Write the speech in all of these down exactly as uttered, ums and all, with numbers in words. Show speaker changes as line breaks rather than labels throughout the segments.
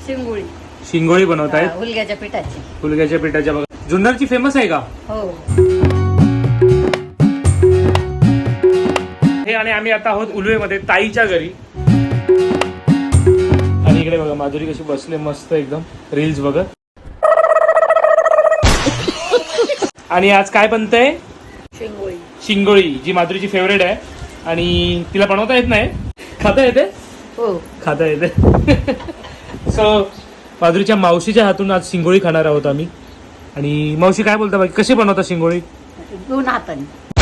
शिंगोळी
शिंगोळी बनवतायत
हुलग्याच्या पिठाची.
हुलग्याच्या पिठाच्या. बघा जुन्नरची फेमस आहे का
हो.
हे आणि आम्ही आता आहोत उलवेमध्ये ताईच्या घरी. आणि इकडे बघा माधुरी कशी बसले मस्त एकदम रील्स बघत. आणि आज काय बनतंय?
शिंगोळी.
शिंगोळी जी माधुरीची फेवरेट आहे आणि तिला बनवता येत नाही. खाता येते?
हो
खाता येते. सो माधुरीच्या मावशीच्या हातून आज शिंगोळी खाणार आहोत आम्ही. आणि मावशी काय बोलता बाकी कशी बनवता शिंगोळी?
दोन हाताने.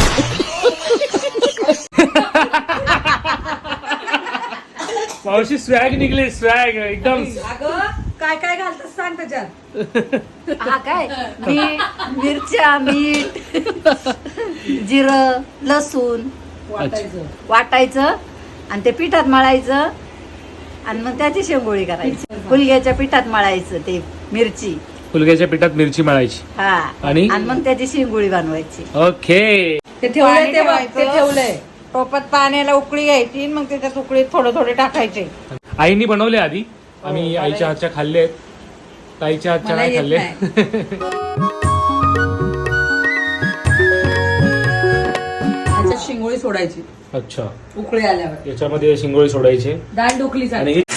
मावशी स्वॅग निघले स्वॅग एकदम.
काय काय घालतात सांग त्याच्यात.
हा काय मीठ मिरच्या मीठ जिरं लसूण
वाटायचं.
वाटायचं आणि ते पिठात मळायचं आणि मग त्याची शेंगोळी करायची. हुलग्याच्या पिठात मळायचं ते मिरची.
हुलग्याच्या पिठात मिरची मळायची
हा
आणि
आणि मग त्याची शेंगोळी बनवायची.
ओके.
ते ठेवलंय
पाणी
ते बघ, ते
ठेवायचं.
ठेवलंय टोपात पाण्याला उकळी घ्यायची मग त्याच्यात उकळी थोडे थोडे टाकायचे.
आईनी बनवले आधी आम्ही आईच्या हातच्या खाल्ले ताईच्या हातच्या
मला
नाही
येत
खाल्ले.
त्याच्यात शिंगोळी सोडायची
अच्छा
उकळी आल्यावर.
याच्यामध्ये शिंगोळी सोडायची
डाळ ढोकली
आणि हे-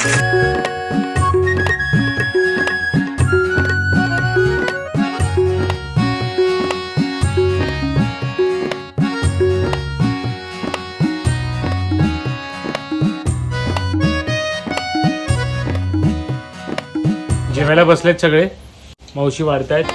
जेवायला बसलेत सगळे. मावशी वाढतायत.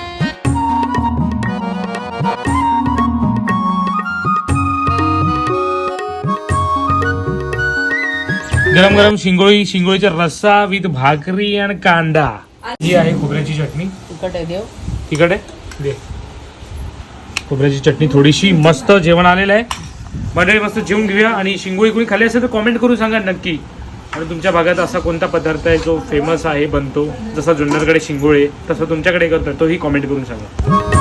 गरम गरम शिंगोळी शिंगोळीचा रस्सा विथ भाकरी आणि कांदा. ही आहे खोबऱ्याची चटणी.
तिखट आहे देव.
तिकडे दे खोबऱ्याची चटणी थोडीशी. मस्त जेवण आलेलं आहे मंडळी. मस्त जेवून घेऊया. आणि शिंगोळी कोणी खाल्ली असेल तर कॉमेंट करून सांगा नक्की. आणि तुमच्या भागात असा कोणता पदार्थ आहे जो फेमस आहे बनतो जसा जुन्नरकडे शिंगोळे तसं तुमच्याकडे करतो तोही कॉमेंट करून सांगा.